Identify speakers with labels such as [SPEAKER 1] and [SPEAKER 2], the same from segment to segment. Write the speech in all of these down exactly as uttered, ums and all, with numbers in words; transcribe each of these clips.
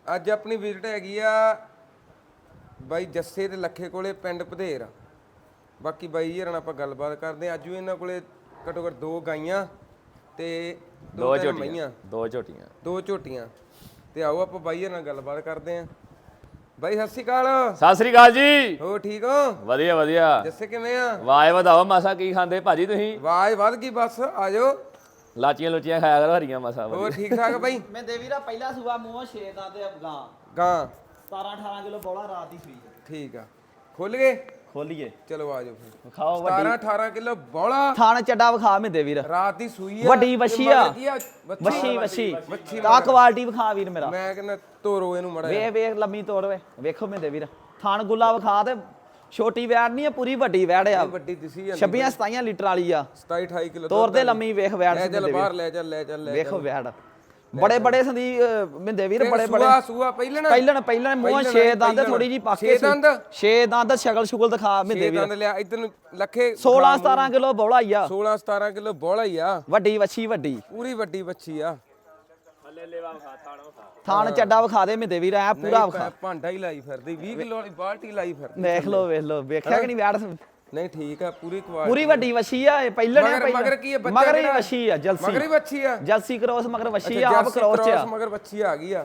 [SPEAKER 1] ਅੱਜ ਆਪਣੀ ਵਿਜ਼ਿਟ ਹੈਗੀ ਆ ਬਾਈ ਜੱਸੇ ਤੇ ਲੱਖੇ ਕੋਲੇ ਪਿੰਡ ਭਦੇਰ। ਬਾਕੀ ਬਾਈ ਜੀ ਨਾਲ ਆਪਾਂ ਗੱਲਬਾਤ ਕਰਦੇ ਆ। ਅੱਜ ਵੀ ਇਹਨਾਂ ਕੋਲੇ ਘੱਟੋ ਘੱਟ ਦੋ ਗਾਈਆਂ ਤੇ
[SPEAKER 2] ਦੋ ਝੋਟੀਆਂ ਦੋ ਝੋਟੀਆਂ
[SPEAKER 1] ਦੋ ਝੋਟੀਆਂ ਤੇ ਆਓ ਆਪਾਂ ਬਾਈ ਨਾਲ ਗੱਲਬਾਤ ਕਰਦੇ ਆ। ਬਾਈ ਸਤਿ ਸ਼੍ਰੀ ਅਕਾਲ।
[SPEAKER 2] ਸਤਿ ਸ੍ਰੀ ਅਕਾਲ ਜੀ।
[SPEAKER 1] ਹੋ ਠੀਕ ਹੋ?
[SPEAKER 2] ਵਧੀਆ ਵਧੀਆ।
[SPEAKER 1] ਜੱਸੇ ਕਿਵੇਂ ਆ?
[SPEAKER 2] ਵਾਹ ਵਧਾਓ ਮਾਸਾ। ਕੀ ਖਾਂਦੇ ਭਾਜੀ ਤੁਸੀਂ?
[SPEAKER 1] ਵਾਹ ਵੱਧ ਗਈ ਬਸ ਆ ਜਾਓ।
[SPEAKER 2] ਲਾਚੀਆਂ ਲੁਚੀਆਂ ਖਾਇਆ ਕਰੋ ਹਰੀਆਂ ਮਾਸਾ।
[SPEAKER 1] ਹੋਰ ਠੀਕ ਠਾਕ ਬਾਈ?
[SPEAKER 3] ਮੈਂ ਦੇਵੀਰਾ ਪਹਿਲਾ ਸੂਆ ਮੂੰਹੋਂ ਛੇ ਦਾ ਤੇ ਗਾਂ
[SPEAKER 1] ਗਾਂ
[SPEAKER 3] ਸਤਾਰਾਂ ਅਠਾਰਾਂ ਕਿਲੋ ਬੋਲਾ ਰਾਤ ਦੀ ਸੂਈ।
[SPEAKER 1] ਠੀਕ ਆ ਖੁੱਲ ਗਏ?
[SPEAKER 3] ਖੋਲੀਏ
[SPEAKER 1] ਚਲੋ ਆ ਜਾਓ ਫਿਰ।
[SPEAKER 3] ਖਾਓ
[SPEAKER 1] ਸਤਾਰਾਂ ਅਠਾਰਾਂ ਕਿਲੋ ਬੋਲਾ
[SPEAKER 3] ਥਾਣ ਚੱਡਾ ਵਿਖਾ ਮੈਂ ਦੇਵੀਰ।
[SPEAKER 1] ਰਾਤ ਦੀ ਸੂਈ ਆ
[SPEAKER 3] ਵੱਡੀ ਵੱਛੀ ਆ।
[SPEAKER 1] ਵੱਛੀ
[SPEAKER 3] ਵੱਛੀ
[SPEAKER 1] ਵੱਛੀ
[SPEAKER 3] ਆ ਕੁਆਲਿਟੀ ਵਿਖਾ ਵੀਰ ਮੇਰਾ।
[SPEAKER 1] ਮੈਂ ਕਹਿੰਦਾ ਤੋਰੋ ਇਹਨੂੰ ਮੜਾ
[SPEAKER 3] ਵੇਖ ਵੇਖ ਲੰਮੀ ਤੋੜ ਵੇ ਵੇਖੋ ਮੈਂ ਦੇਵੀਰ। ਥਾਣ ਗੁੱਲਾ ਵਿਖਾ ਤੇ ਛੋਟੀ ਵੈੜ ਨਹੀਂ ਆ ਪੂਰੀ ਵੱਡੀ ਵੈੜ ਆ।
[SPEAKER 1] ਵੱਡੀ ਦਿਸੀ ਜਾਂਦੀ
[SPEAKER 3] ਛੱਬੀ ਸਤਾਈ ਲੀਟਰ ਵਾਲੀ ਆ।
[SPEAKER 1] ਸਤਾਈ ਅਠਾਈ ਕਿਲੋ
[SPEAKER 3] ਤੋਰ ਤੇ ਲੰਮੀ ਵੇਖ ਵੈੜ
[SPEAKER 1] ਲੈ ਚੱਲ ਬਾਹਰ ਲੈ ਚੱਲ ਲੈ ਚੱਲ ਲੈ
[SPEAKER 3] ਵੇਖੋ ਵੈੜ ਬੜੇ ਬੜੇ ਸੰਦੀ ਮਿੰਦੇ ਵੀਰ ਬੜੇ ਬੜੇ
[SPEAKER 1] ਸੂਆ ਸੂਆ ਪਹਿਲਣ
[SPEAKER 3] ਪਹਿਲਣ ਪਹਿਲਣ ਮੂੰਹ ਛੇ ਦੰਦ ਥੋੜੀ ਜੀ ਪਾਕੇ
[SPEAKER 1] ਛੇ ਦੰਦ
[SPEAKER 3] ਛੇ ਦੰਦ ਸ਼ਕਲ ਸ਼ੁਕਲ ਦਿਖਾ ਮਿੰਦੇ
[SPEAKER 1] ਛੇ
[SPEAKER 3] ਵੀਰ।
[SPEAKER 1] ਦੰਦ ਲਿਆ ਇਧਰ ਨੂੰ ਲੱਖੇ
[SPEAKER 3] ਸੋਲਾਂ ਸਤਾਰਾਂ ਕਿਲੋ ਬੋਲਾ ਹੀ ਆ।
[SPEAKER 1] ਸੋਲਾਂ ਸਤਾਰਾਂ ਕਿਲੋ ਬੋਲਾ ਹੀ ਆ।
[SPEAKER 3] ਵੱਡੀ ਵੱਛੀ ਵੱਡੀ
[SPEAKER 1] ਪੂਰੀ ਵੱਡੀ ਵੱਛੀ ਆ।
[SPEAKER 2] ਥੱਲੇ ਲੇਵਾ ਵਿਖਾ ਥਾਣ ਵਿਖਾ।
[SPEAKER 3] ਥਾਣ ਚੱਡਾ ਵਿਖਾ ਦੇ ਮਿੰਦੇ ਵੀਰ ਐ ਪੂਰਾ ਵਿਖਾ।
[SPEAKER 1] ਭਾਂਡਾ ਹੀ ਲਾਈ ਫਿਰਦੀ ਵੀਹ ਕਿਲੋ ਵਾਲੀ ਬਾਲਟੀ ਲਾਈ ਫਿਰਦੀ।
[SPEAKER 3] ਵੇਖ ਲੋ ਵੇਖ ਲੋ ਵੇਖਿਆ ਕਿ ਨਹੀਂ ਵੈੜ
[SPEAKER 1] ਨਹੀਂ ਠੀਕ ਆ ਪੂਰੀ ਕੁਆਲਿਟੀ
[SPEAKER 3] ਪੂਰੀ ਵੱਡੀ ਵੱਛੀ ਆ। ਇਹ ਪਹਿਲਣ ਆ
[SPEAKER 1] ਮਗਰ ਮਗਰ ਕੀ ਹੈ ਬੱਚਾ?
[SPEAKER 3] ਮਗਰ ਹੀ ਵੱਛੀ ਆ ਜਲਸੀ।
[SPEAKER 1] ਮਗਰ ਹੀ ਵੱਛੀ ਆ।
[SPEAKER 3] ਜਲਸੀ ਕ੍ਰੋਸ ਮਗਰ ਵੱਛੀ ਆ ਆਪ ਕ੍ਰੋਸ ਚ ਆ।
[SPEAKER 1] ਮਗਰ ਵੱਛੀ ਆ ਗਈ ਆ।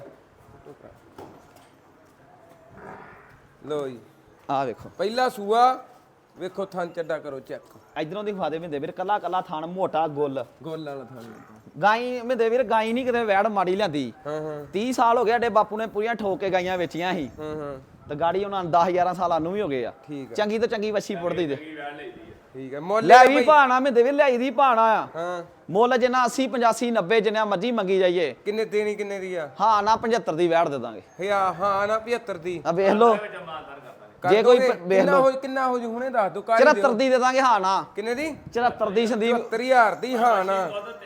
[SPEAKER 1] ਲੋ ਜੀ
[SPEAKER 3] ਆ ਵੇਖੋ
[SPEAKER 1] ਪਹਿਲਾ ਸੂਆ ਵੇਖੋ ਥਣ ਚੱਡਾ ਕਰੋ ਚੈੱਕ।
[SPEAKER 3] ਇਧਰੋਂ ਦੀ ਵਿਖਾ ਦੇ ਮਿੰਦੇ ਵੀਰ ਕੱਲਾ ਕੱਲਾ ਥਾਣ ਮੋਟਾ ਗੁੱਲ
[SPEAKER 1] ਗੋਲ ਵਾਲਾ ਥਣ।
[SPEAKER 3] ਗਾਈ ਮਿੰਦੇ ਵੀਰ ਗਾਈ ਨਹੀਂ ਕਿਤੇ ਵੈੜ ਮਾੜੀ ਲਿਆਂਦੀ।
[SPEAKER 1] ਹਾਂ ਹਾਂ
[SPEAKER 3] ਤੀਹ ਸਾਲ ਹੋ ਗਏ ਸਾਡੇ ਬਾਪੂ ਨੇ ਪੂਰੀਆਂ ਠੋਕ ਕੇ ਗਾਈਆਂ ਵੇਚੀਆਂ ਸੀ
[SPEAKER 1] ਹਾਂ ਹਾਂ
[SPEAKER 3] ਤੇ ਗਾੜੀ ਉਹਨਾਂ ਨੂੰ ਦਸ ਗਿਆਰਾਂ ਸਾਲਾਂ ਨੂੰ ਵੀ ਹੋ ਗਏ ਆ।
[SPEAKER 1] ਠੀਕ ਆ
[SPEAKER 3] ਚੰਗੀ ਤੋਂ ਚੰਗੀ ਵੱਛੀ ਪੁੱਟਦੀ ਤੇ
[SPEAKER 1] ਠੀਕ ਹੈ ਮੁੱਲ
[SPEAKER 3] ਲੈ ਵੀ ਭਾਣਾ ਮਿੰਦੇ ਵੀਰ ਲਿਆਈ ਦੀ ਭਾਣਾ ਆ।
[SPEAKER 1] ਹਾਂ
[SPEAKER 3] ਮੁੱਲ ਜਿੰਨਾ ਅੱਸੀ ਪਚਾਸੀ ਨੱਬੇ ਜਿੰਨਾ ਮਰਜੀ ਮੰਗੀ ਜਾਈਏ।
[SPEAKER 1] ਕਿੰਨੇ ਦੇਣੀ ਕਿੰਨੇ ਦੀ ਆ?
[SPEAKER 3] ਹਾਂ ਨਾ ਪਝੱਤਰ ਦੀ ਵੈੜ ਦੇ ਦਾਂਗੇ।
[SPEAKER 1] ਹਿਆ ਹਾਂ ਨਾ ਪਝੱਤਰ ਦੀ
[SPEAKER 3] ਆ ਵੇਖ ਲੋ ਜੇ ਕੋਈ ਵੇਖ
[SPEAKER 1] ਕਿੰਨਾ
[SPEAKER 3] ਲੋ
[SPEAKER 1] ਹੋ ਕਿੰਨਾ ਹੋ ਜੂ ਹੁਣੇ ਦੱਸ ਦੋ ਕਾਹਦੀ
[SPEAKER 3] ਚੁਹੱਤਰ ਦੀ ਦੇ ਦਾਂਗੇ ਹਾਂ ਨਾ।
[SPEAKER 1] ਕਿੰਨੇ ਦੀ?
[SPEAKER 3] ਚੁਹੱਤਰ ਦੀ ਸੰਦੀਪ
[SPEAKER 1] ਸੱਤਰ ਹਜ਼ਾਰ ਦੀ ਹਾਂ ਨਾ।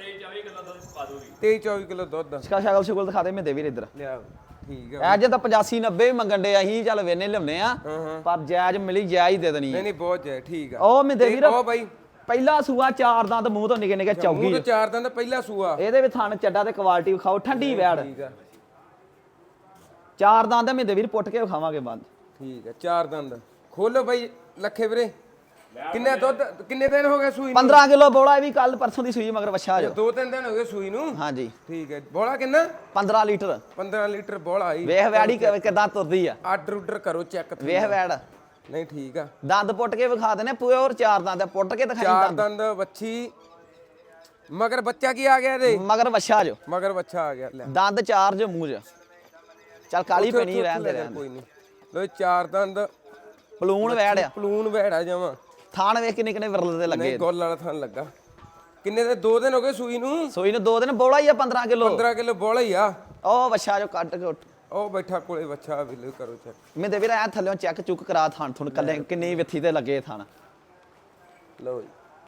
[SPEAKER 1] ਤੇਈ ਚੌਵੀ ਕਿਲੋ ਦੁੱਧ
[SPEAKER 3] ਸ਼ਕਲ ਸ਼ਕਲ ਸ਼ੁਕਲ ਦਿਖਾ ਦੇ ਮਿੰਦੇ ਵੀਰ ਇੱਧਰ।
[SPEAKER 1] ਲਿਆ ਠੀਕ ਆ।
[SPEAKER 3] ਐ ਜੇ ਤਾਂ ਪਚਾਸੀ ਨੱਬੇ ਵੀ ਮੰਗਣ ਦੇ ਅਸੀਂ ਚੱਲ ਵੇਨੇ ਲਿਆਉਨੇ ਆ
[SPEAKER 1] ਹਾਂ ਹਾਂ
[SPEAKER 3] ਪਰ ਜਾਇਜ਼ ਮਿਲੀ ਜਾਇਜ਼ ਦੇ ਦੇਣੀ
[SPEAKER 1] ਨਹੀਂ
[SPEAKER 3] ਹੈ।
[SPEAKER 1] ਨਹੀਂ ਬਹੁਤ ਹੈ ਠੀਕ ਆ।
[SPEAKER 3] ਉਹ ਮਿੰਦੇ ਵੀਰ
[SPEAKER 1] ਉਹ ਬਾਈ
[SPEAKER 3] ਪਹਿਲਾ ਸੂਆ ਚਾਰ ਦੰਦ ਮੂੰਹ ਤੋਂ ਨਿਕੇ ਨਿਕੇ
[SPEAKER 1] ਮੂੰਹ
[SPEAKER 3] ਚੌਗੀ
[SPEAKER 1] ਤੋਂ ਚਾਰ ਦਿਨ ਦਾ ਪਹਿਲਾ ਸੂਆ।
[SPEAKER 3] ਇਹਦੇ ਵਿੱਚ ਥਣ ਚੱਡਾ ਤੇ ਕੁਆਲਿਟੀ ਵਿਖਾਓ ਠੰਡੀ ਵੈੜ।
[SPEAKER 1] ਠੀਕ ਆ
[SPEAKER 3] ਚਾਰ ਦੰਦ ਮਿੰਦੇ ਵੀਰ ਪੁੱਟ ਕੇ ਵਿਖਾਵਾਂਗੇ ਬੰਦ।
[SPEAKER 1] ਠੀਕ ਆ ਚਾਰ ਦੰਦ ਖੋਲੋ ਬਾਈ ਲੱਖੇ ਵੀਰੇ। ਕਿੰਨੇ ਦੁੱਧ ਕਿੰਨੇ ਦਿਨ ਹੋ ਗਏ ਸੂਈ ਨੂੰ?
[SPEAKER 3] ਪੰਦਰਾਂ ਕਿਲੋ ਬੋਲਾ ਇਹ ਵੀ ਕੱਲ ਪਰਸੋਂ ਦੀ ਸੂਈ ਮਗਰ ਵਛਾ ਜੋ।
[SPEAKER 1] ਦੋ ਤਿੰਨ ਦਿਨ ਹੋ ਗਏ ਸੂਈ ਨੂੰ।
[SPEAKER 3] ਹਾਂਜੀ
[SPEAKER 1] ਠੀਕ ਹੈ ਬੋਲਾ ਕਿੰਨਾ?
[SPEAKER 3] ਪੰਦਰਾਂ ਲੀਟਰ।
[SPEAKER 1] ਪੰਦਰਾਂ ਲੀਟਰ ਬੋਲਾ ਆਈ।
[SPEAKER 3] ਵੇਖ ਵੈੜੀ ਕਿਦਾਂ ਤੁਰਦੀ ਆ।
[SPEAKER 1] ਆਰਡਰ ਉਡਰ ਕਰੋ ਚੈੱਕ।
[SPEAKER 3] ਵੇਖ ਵੈੜ
[SPEAKER 1] ਨਹੀਂ ਠੀਕ ਆ।
[SPEAKER 3] ਦੰਦ ਪੁੱਟ ਕੇ ਵਿਖਾ ਦੇਣੇ ਪਿਓਰ ਚਾਰ ਦੰਦ ਪੁੱਟ ਕੇ ਦਿਖਾਈ
[SPEAKER 1] ਚਾਰ
[SPEAKER 3] ਦੰਦ।
[SPEAKER 1] ਦੰਦ ਵੱਛੀ ਮਗਰ ਬੱਚਾ ਕੀ ਆ ਗਿਆ ਇਹਦੇ?
[SPEAKER 3] ਮਗਰ ਵਛਾ ਜੋ
[SPEAKER 1] ਮਗਰ ਬੱਚਾ ਆ ਗਿਆ। ਲੈ
[SPEAKER 3] ਦੰਦ ਚਾਰ ਜੋ ਮੂੰਹ ਚ ਚੱਲ ਕਾਲੀ ਪੈਣੀ ਰਹਿਣ ਦੇ ਰਹਿਣ
[SPEAKER 1] ਕੋਈ ਨਹੀਂ। ਲੋ ਚਾਰ ਦੰਦ
[SPEAKER 3] ਪਲੂਣ ਵੈੜ ਆ।
[SPEAKER 1] ਪਲੂਨ ਵੈੜਾ ਜਾਵਾਂ।
[SPEAKER 3] ਥਾਣ ਵੇਖ ਕਿੰਨੇ ਕਿੰਨੇ ਵਿਰਲ ਦੇ ਲੱਗੇ।
[SPEAKER 1] ਨਹੀਂ ਗੋਲ ਵਾਲਾ ਥਣ ਲੱਗਾ। ਕਿੰਨੇ ਦੇ ਦੋ ਦਿਨ ਹੋ ਗਏ ਸੂਈ ਨੂੰ?
[SPEAKER 3] ਸੂਈ ਨੂੰ ਦੋ ਦਿਨ ਬੋਲਾ ਹੀ ਆ ਪੰਦਰਾਂ ਕਿਲੋ।
[SPEAKER 1] ਪੰਦਰਾਂ ਕਿਲੋ ਬੋਲਾ ਹੀ ਆ।
[SPEAKER 3] ਉਹ ਵਛਾ ਜੋ ਕੱਟ ਕੇ ਉੱਠ
[SPEAKER 1] ਉਹ ਬੈਠਾ ਕੋਲੇ ਬੱਚਾ ਵੀ ਕਰੋ ਚੈੱਕ।
[SPEAKER 3] ਮੈਂ ਦੇ ਵੀਰ ਐ ਥੱਲੇ ਚੈੱਕ ਚੁੱਕ ਕਰਾ ਥਾਣ ਥੁਣ ਕੱਲੇ ਕਿੰਨੀ ਵਿੱਥੀ ਤੇ ਲੱਗੇ ਥਾਣ।
[SPEAKER 1] ਲਓ ਜੀ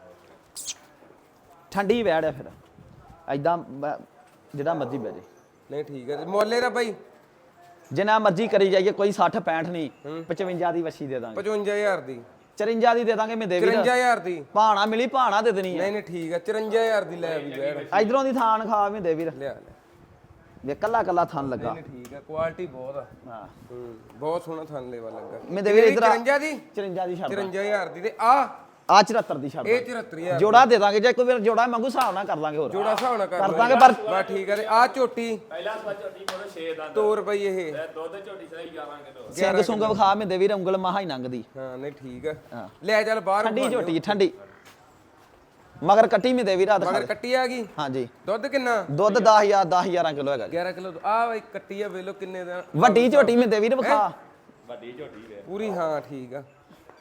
[SPEAKER 3] ਠੰਡੀ ਵੈੜ ਆ ਫਿਰ ਐਦਾਂ ਜਿਹੜਾ ਮਰਜੀ ਬਹਿ ਜੇ।
[SPEAKER 1] ਨਹੀਂ ਠੀਕ ਹੈ। ਮੁੱਲੇ ਦਾ ਬਾਈ
[SPEAKER 3] ਜਿੰਨਾ ਮਰਜੀ ਕਰੀ ਜਾਈਏ ਕੋਈ ਸੱਠ ਪੈਂਹਠ ਨਹੀਂ ਪਚਵੰਜਾ ਦੀ ਵੱਛੀ ਦੇ ਦਾਂਗੇ।
[SPEAKER 1] ਪਚਵੰਜਾ ਹਜ਼ਾਰ ਦੀ
[SPEAKER 3] ਚਰੰਜਾ ਦੀ ਦੇ ਦਾਂਗੇ ਮੈਂ ਦੇ ਵੀਰ।
[SPEAKER 1] ਚੁਰੰਜਾ ਹਜ਼ਾਰ ਦੀ
[SPEAKER 3] ਭਾਣਾ ਮਿਲੀ ਭਾਣਾ ਦੇ ਦੇਣੀ ਆ।
[SPEAKER 1] ਨਹੀਂ ਨਹੀਂ ਠੀਕ ਹੈ। ਚੁਰੰਜਾ ਹਜ਼ਾਰ ਦੀ ਲੈ ਵੀ ਬੈੜ।
[SPEAKER 3] ਇਧਰੋਂ ਦੀ ਥਾਣ ਖਾ ਮੈਂ ਦੇ ਵੀਰ।
[SPEAKER 1] ਲਿਆ ਲੈ
[SPEAKER 3] ਵੇ ਕੱਲਾ ਕੱਲਾ ਥਣ ਲੱਗਾ।
[SPEAKER 1] ਨਹੀਂ ਠੀਕ ਹੈ ਕੁਆਲਿਟੀ ਬਹੁਤ ਆ।
[SPEAKER 3] ਹਾਂ
[SPEAKER 1] ਹੂੰ ਬਹੁਤ ਸੋਹਣਾ ਥਣ ਲੈਵਾ ਲੱਗਾ।
[SPEAKER 3] ਮੈਂ ਦੇ ਵੀਰ ਇਧਰ
[SPEAKER 1] ਚੁਰੰਜਾ ਦੀ
[SPEAKER 3] ਚਰੰਜਾ ਦੀ ਛੱਡ
[SPEAKER 1] ਚੁਰੰਜਾ ਹਜ਼ਾਰ ਦੀ ਤੇ ਆ
[SPEAKER 3] ਆ ਚੁਹੱਤਰ ਦੀ ਛੱਡ
[SPEAKER 1] ਇਹ ਚੁਹੱਤਰ ਹਜ਼ਾਰ
[SPEAKER 3] ਜੋੜਾ ਦੇ ਦਾਂਗੇ ਜੇ ਕੋਈ ਵੀਰ ਜੋੜਾ ਮੰਗੂ ਹਿਸਾਬ ਨਾਲ ਕਰ ਲਾਂਗੇ ਹੋਰ
[SPEAKER 1] ਜੋੜਾ ਹਿਸਾਬ ਨਾਲ
[SPEAKER 3] ਕਰ ਦਾਂਗੇ ਪਰ
[SPEAKER 1] ਬਸ ਠੀਕ ਹੈ। ਤੇ ਆ ਝੋਟੀ
[SPEAKER 2] ਪਹਿਲਾ ਸਵਾ ਝੋਟੀ ਕੋਲ ਛੇ ਦੰਦ
[SPEAKER 1] ਤੋਰ ਬਈ ਇਹ
[SPEAKER 2] ਦੁੱਧ ਝੋਟੀ ਸਹੀ ਗਿਆਰਾਂ ਕਿਲੋ।
[SPEAKER 3] ਸਿੰਘ ਸੁੰਗ ਵਿਖਾ ਮੈਂ ਦੇ ਵੀਰ ਉਂਗਲ ਮਹਾ ਹੀ ਲੰਘਦੀ।
[SPEAKER 1] ਹਾਂ ਨਹੀਂ ਠੀਕ ਹੈ।
[SPEAKER 3] ਹਾਂ
[SPEAKER 1] ਲੈ ਚੱਲ ਬਾਹਰ
[SPEAKER 3] ਠੰਡੀ ਝੋਟੀ ਠੰਡੀ ਮਗਰ ਕੱਟੀ ਮੈਂ ਦੇ ਵੀਰ ਰਾਤ
[SPEAKER 1] ਮਗਰ ਕੱਟੀ ਆ ਗਈ।
[SPEAKER 3] ਹਾਂਜੀ
[SPEAKER 1] ਦੁੱਧ ਕਿੰਨਾ?
[SPEAKER 3] ਦੁੱਧ ਦਸ ਹਜ਼ਾਰ ਦਸ ਹਜ਼ਾਰਾਂ ਕਿਲੋ ਹੈਗਾ ਜੀ।
[SPEAKER 1] ਗਿਆਰਾਂ ਕਿਲੋ ਆ ਬਈ ਕੱਟੀ ਆ ਵੇਲੋ ਕਿੰਨੇ ਦਾ?
[SPEAKER 3] ਵੱਡੀ ਝੋਟੀ ਮੈਂ ਦੇ ਵੀਰ ਵਿਖਾ
[SPEAKER 2] ਵੱਡੀ ਝੋਟੀ ਵੇ
[SPEAKER 1] ਪੂਰੀ ਹਾਂ ਠੀਕ ਆ।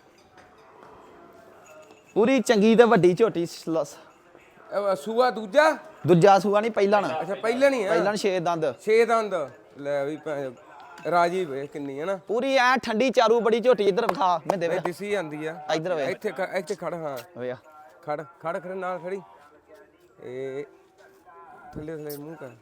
[SPEAKER 3] ਪੂਰੀ ਚੰਗੀ ਤੇ ਵੱਡੀ ਝੋਟੀ
[SPEAKER 1] ਇਹ ਸੂਆ ਦੂਜਾ
[SPEAKER 3] ਦੂਜਾ ਸੂਆ ਨਹੀਂ ਪਹਿਲਾਂ ਨਾ
[SPEAKER 1] ਅੱਛਾ ਪਹਿਲਾਂ ਨਹੀਂ ਆ।
[SPEAKER 3] ਪਹਿਲਾਂ ਛੇ ਦੰਦ
[SPEAKER 1] ਛੇ ਦੰਦ ਲੈ ਵੀ ਭੈਣ ਰਾਜੀ ਵੇ ਕਿੰਨੀ ਹੈ ਨਾ।
[SPEAKER 3] ਪੂਰੀ ਐ ਠੰਡੀ ਚਾਰੂ ਬੜੀ ਝੋਟੀ ਇੱਧਰ ਵਿਖਾ ਮੈਂ ਦੇ ਵੀਰ
[SPEAKER 1] ਦਿਸੀ ਜਾਂਦੀ ਆ।
[SPEAKER 3] ਇੱਧਰ ਵੇ
[SPEAKER 1] ਇੱਥੇ ਖ- ਇੱਥੇ ਖੜ ਹਾਂ
[SPEAKER 3] ਵੇ
[SPEAKER 1] ਖੜ ਖੜ ਖੜ ਨਾਲ ਖੜੀ। ਇਹ ਥੱਲੇ ਥੱਲੇ ਮੂੰਹ ਕਰ।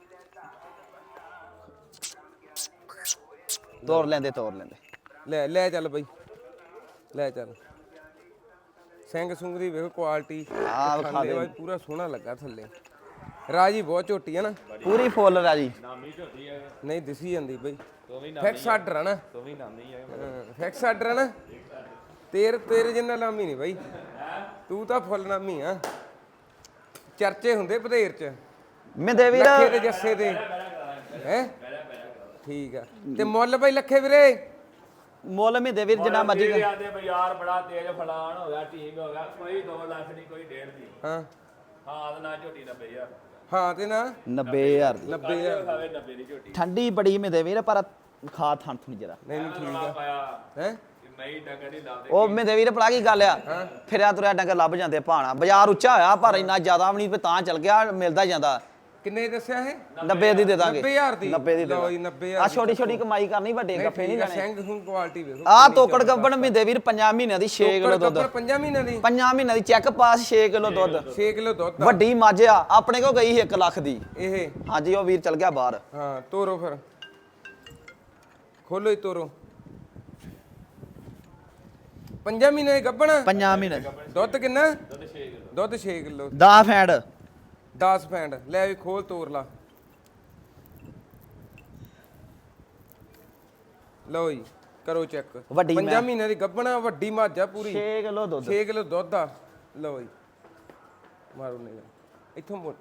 [SPEAKER 3] ਤੋੜ ਲੈਂਦੇ ਤੋੜ ਲੈਂਦੇ
[SPEAKER 1] ਲੈ ਲੈ ਚੱਲ ਬਈ ਲੈ ਚੱਲ। ਸਿੰਘ ਸੁੰਗ ਦੀ ਵੇਖੋ ਕੁਆਲਿਟੀ
[SPEAKER 3] ਆ ਵਿਖਾ ਦੇ
[SPEAKER 1] ਬਾਈ ਪੂਰਾ ਸੋਹਣਾ ਲੱਗਾ ਥੱਲੇ। ਰਾਜੀ ਬਹੁਤ ਝੋਟੀ ਹੈ ਨਾ
[SPEAKER 3] ਪੂਰੀ ਫੁੱਲ ਰਾਜੀ
[SPEAKER 2] ਨਾਮੀ ਝੋਟੀ ਹੈ
[SPEAKER 1] ਨਹੀਂ ਦਿਸੀ ਜਾਂਦੀ ਬਈ
[SPEAKER 2] ਤੂੰ ਵੀ ਨਾਮੀ
[SPEAKER 1] ਫਿਕਸ ਆਰਡਰ ਆ ਨਾ
[SPEAKER 2] ਤੂੰ ਵੀ ਨਾਮੀ ਹੈ
[SPEAKER 1] ਫਿਕਸ ਆਰਡਰ ਆ ਨਾ ਤੇਰ ਤੇਰੇ ਜਿੰਨਾ ਲਾਮੀ ਨਹੀਂ ਬਈ ਤੂੰ ਤਾਂ ਫੁੱਲ ਨਾਮੀ ਆ ਚਰਚੇ ਹੁੰਦੇ ਬਧੇਰ ਚ
[SPEAKER 3] ਮਿੰਦੇ ਵੀਰ
[SPEAKER 1] ਲੱਖੇ ਤੇ ਜੱਸੇ ਦੇ ਹੈ ਠੀਕ ਆ ਤੇ ਮੁੱਲ ਬਈ ਲੱਖੇ ਵੀਰੇ
[SPEAKER 3] ਮੁੱਲ ਮਿੰਦੇ ਵੀਰ ਜਿੰਨਾ ਮਰਜੀ
[SPEAKER 2] ਜਿਹੜੇ ਆਂਦੇ ਬਾਜ਼ਾਰ ਬੜਾ ਤੇਜ਼ ਫਲਾਣ ਹੋ ਗਿਆ ਟੀਮ ਹੋ ਗਿਆ ਕੋਈ ਦੋ ਲੱਖ ਨਹੀਂ ਕੋਈ ਡੇਢ ਦੀ
[SPEAKER 1] ਹਾਂ
[SPEAKER 2] ਹਾਂ ਤੇ ਨਾ ਝੋਟੀ ਨੱਬੇ ਹਜ਼ਾਰ
[SPEAKER 1] ਹਾਂ ਤੇ ਨਾ
[SPEAKER 3] ਨੱਬੇ ਹਜ਼ਾਰ ਦੀ
[SPEAKER 1] ਨੱਬੇ ਹਜ਼ਾਰ
[SPEAKER 2] ਖਾਵੇ ਨੱਬੇ ਦੀ ਝੋਟੀ
[SPEAKER 3] ਠੰਡੀ ਬੜੀ ਮਿੰਦੇ ਵੀਰ ਪਰ ਖਾ ਥਣ ਥੁਣ ਜਰਾ
[SPEAKER 1] ਨਹੀਂ ਨਹੀਂ ਠੀਕ
[SPEAKER 2] ਰੌਲਾ
[SPEAKER 1] ਆ
[SPEAKER 2] ਪਾਇਆ
[SPEAKER 1] ਹੈ
[SPEAKER 2] ਕਿ ਮੈਂ ਡੰਗਰ ਨਹੀਂ ਲਾਉਂਦੇ
[SPEAKER 3] ਉਹ ਮਿੰਦੇ ਵੀਰ ਪੜਾ ਕੀ ਗੱਲ ਆ ਫਿਰਿਆ ਤੁਰਿਆ ਡੰਗਰ ਲੱਭ ਜਾਂਦੇ ਭਾਣਾ ਬਾਜ਼ਾਰ ਉੱਚਾ ਹੋਇਆ ਪਰ ਇੰਨਾ ਜ਼ਿਆਦਾ ਵੀ ਨਹੀਂ ਤਾਂ ਚੱਲ ਗਿਆ ਮਿਲਦਾ ਜਾਂਦਾ
[SPEAKER 1] ਕਿੰਨੇ ਦੱਸਿਆ ਇਹ
[SPEAKER 3] ਨੱਬੇ ਦੀ ਦੇ ਦਾਂਗੇ
[SPEAKER 1] ਨੱਬੇ ਹਜ਼ਾਰ ਦੀ
[SPEAKER 3] ਨੱਬੇ ਦੀ ਦੇ
[SPEAKER 1] ਲਓ ਜੀ,
[SPEAKER 3] ਦਾਂਗੇ
[SPEAKER 1] ਨੱਬੇ
[SPEAKER 3] ਆ
[SPEAKER 1] ਹਜ਼ਾਰ
[SPEAKER 3] ਛੋਟੀ ਛੋਟੀ ਕਮਾਈ ਕਰਨੀ ਵੱਡੇ ਗੱਫੇ ਨਹੀਂ ਲੈਣੇ
[SPEAKER 1] ਸਿੰਘ ਹੂੰ ਕੁਆਲਿਟੀ ਵੇਖੋ
[SPEAKER 3] ਆ ਤੋਕੜ ਗੱਬਣ ਮਿੰਦੇ ਵੀਰ ਪੰਜਾਂ ਮਹੀਨਿਆਂ ਦੀ ਛੇ ਕਿਲੋ ਦੁੱਧ
[SPEAKER 1] ਦੁੱਧ ਪੰਜਾਂ ਮਹੀਨਿਆਂ ਦੀ
[SPEAKER 3] ਪੰਜਾਂ ਮਹੀਨਿਆਂ ਦੀ ਚੈੱਕ ਪਾਸ ਛੇ ਕਿਲੋ ਦੁੱਧ
[SPEAKER 1] ਛੇ ਕਿਲੋ ਦੁੱਧ ਆ।
[SPEAKER 3] ਵੱਡੀ ਮੱਝ ਆ ਆਪਣੇ ਕੋਲ ਗਈ ਇੱਕ ਲੱਖ ਦੀ
[SPEAKER 1] ਇਹ
[SPEAKER 3] ਹਾਂਜੀ ਉਹ ਵੀਰ ਚਲ ਗਿਆ ਬਾਹਰ
[SPEAKER 1] ਹਾਂ ਤੋਰੋ ਫਿਰ ਖੋਲੋ ਹੀ ਤੋਰੋ ਪੰਜਾਂ ਮਹੀਨੇ ਦੀ ਗੱਭਣ
[SPEAKER 3] ਪੰਜਾਂ ਮਹੀਨੇ
[SPEAKER 1] ਦੁੱਧ ਕਿੰਨਾ
[SPEAKER 2] ਦੁੱਧ ਛੇ ਕਿਲੋ
[SPEAKER 1] ਦੁੱਧ ਛੇ ਕਿਲੋ
[SPEAKER 3] ਦਾ ਫੈਂਡ
[SPEAKER 1] ਦਸ ਪੈਂਡ ਲੈ ਵੀ ਖੋਲ ਤੋਰ ਲਾ ਲਓ ਜੀ ਕਰੋ ਚੈੱਕ
[SPEAKER 3] ਵੱਡੀ
[SPEAKER 1] ਪੰਜਾਂ
[SPEAKER 3] ਮੈਂ-
[SPEAKER 1] ਮਹੀਨੇ ਦੀ ਗੱਭਣਾ ਵੱਡੀ ਮੱਝ ਆ ਪੂਰੀ
[SPEAKER 3] ਛੇ ਕਿਲੋ ਦੁੱਧ
[SPEAKER 1] ਛੇ ਕਿਲੋ ਦੁੱਧ ਆ ਲਓ ਜੀ ਮਾਰੋ ਨੇ ਇੱਥੋਂ ਮੋੜ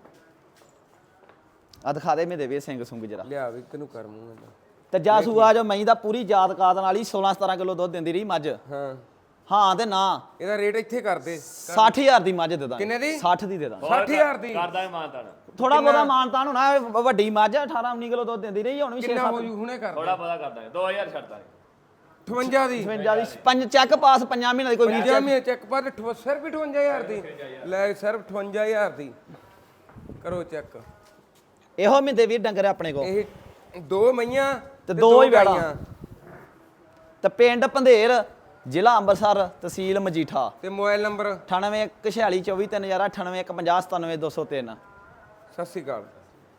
[SPEAKER 3] ਆ ਦਿਖਾ ਦੇ ਮੇਰੇ ਵੀਰ ਸਿੰਘ ਸੁੰਗ ਜਰਾ
[SPEAKER 1] ਲਿਆ ਵੀ ਤੈਨੂੰ ਕਰ ਮੂੰਹ ਇਹਦਾ
[SPEAKER 3] ਤੇ ਜਾਸੂ ਆ ਜੋ ਮਈ ਦਾ ਪੂਰੀ ਜਾਤ ਕਾਤ ਨਾਲ ਹੀ ਸੋਲਾਂ ਸਤਾਰਾਂ ਕਿਲੋ ਦੁੱਧ ਦਿੰਦੀ ਰਹੀ ਮੱਝ
[SPEAKER 1] ਹਾਂ
[SPEAKER 3] ਹਾਂ ਤੇ ਨਾ
[SPEAKER 1] ਇਹਦਾ ਰੇਟ ਇੱਥੇ ਕਰ ਦੇ
[SPEAKER 3] ਸੱਠ ਹਜ਼ਾਰ ਦੀ ਮੱਝ ਦੇ ਦਾਂਗੇ
[SPEAKER 1] ਕਿੰਨੇ ਦੀ?
[SPEAKER 3] ਸੱਠ ਦੀ ਦੇ ਦਾਂਗੇ
[SPEAKER 1] ਸੱਠ ਹਜ਼ਾਰ ਦੀ
[SPEAKER 2] ਕਰਦਾ ਇਮਾਨਦਾਰ
[SPEAKER 3] ਥੋੜਾ ਬਹੁਤਾ ਮਾਨਤਾਨ ਹੋਣਾ ਇਹ ਵੱਡੀ ਮੱਝ ਆ ਅਠਾਰਾਂ ਉੱਨੀ ਕਿਲੋ ਦੁੱਧ ਦਿੰਦੀ ਰਹੀ ਹੁਣ ਵੀ ਛੇ
[SPEAKER 1] ਕਿੰਨਾ
[SPEAKER 3] ਸੱਤ
[SPEAKER 1] ਹੋ ਜੂ ਹੁਣੇ ਕਰ
[SPEAKER 2] ਥੋੜਾ ਪਤਾ ਕਰਦਾ ਦੋ ਹਜ਼ਾਰ ਛੱਡਦਾ
[SPEAKER 1] ਅਠਵੰਜਾ ਦੀ
[SPEAKER 3] ਅਠਵੰਜਾ ਦੀ ਪੰਜ ਚੈੱਕ ਪਾਸ ਪੰਜਾਂ ਮਹੀਨਿਆਂ ਦੀ ਕੋਈ ਵੀਰ
[SPEAKER 1] ਪੰਜਾਂ ਮਹੀਨੇ ਚੈੱਕ ਪਰ ਅਠਵ- ਸਿਰਫ ਅਠਵੰਜਾ ਹਜ਼ਾਰ ਦੀ ਲੈ ਸਿਰਫ ਅਠਵੰਜਾ ਹਜ਼ਾਰ ਦੀ ਕਰੋ ਚੈੱਕ
[SPEAKER 3] ਇਹੋ ਮਿੰਦੇ ਵੀਰ ਡੰਗਰ ਆਪਣੇ ਕੋ
[SPEAKER 1] ਇਹ ਦੋ ਮਈਆਂ
[SPEAKER 3] ਤੇ ਦੋ ਹੀ ਵੈੜਾਂ।
[SPEAKER 1] ਗਾਈਆਂ।
[SPEAKER 3] ਤੇ ਪਿੰਡ ਪੰਧੇਰ ਜ਼ਿਲ੍ਹਾ ਅੰਮ੍ਰਿਤਸਰ ਤਹਿਸੀਲ ਮਜੀਠਾ
[SPEAKER 1] ਤੇ ਮੋਬਾਈਲ ਨੰਬਰ
[SPEAKER 3] ਅਠਾਨਵੇਂ ਇੱਕ ਛਿਆਲੀ ਚੌਵੀ ਤਿੰਨ ਹਜ਼ਾਰ ਅਠਾਨਵੇਂ ਇੱਕ ਪੰਜਾਹ ਸਤਾਨਵੇਂ ਦੋ ਸੌ ਤਿੰਨ
[SPEAKER 1] ਸਤਿ ਸ਼੍ਰੀ ਅਕਾਲ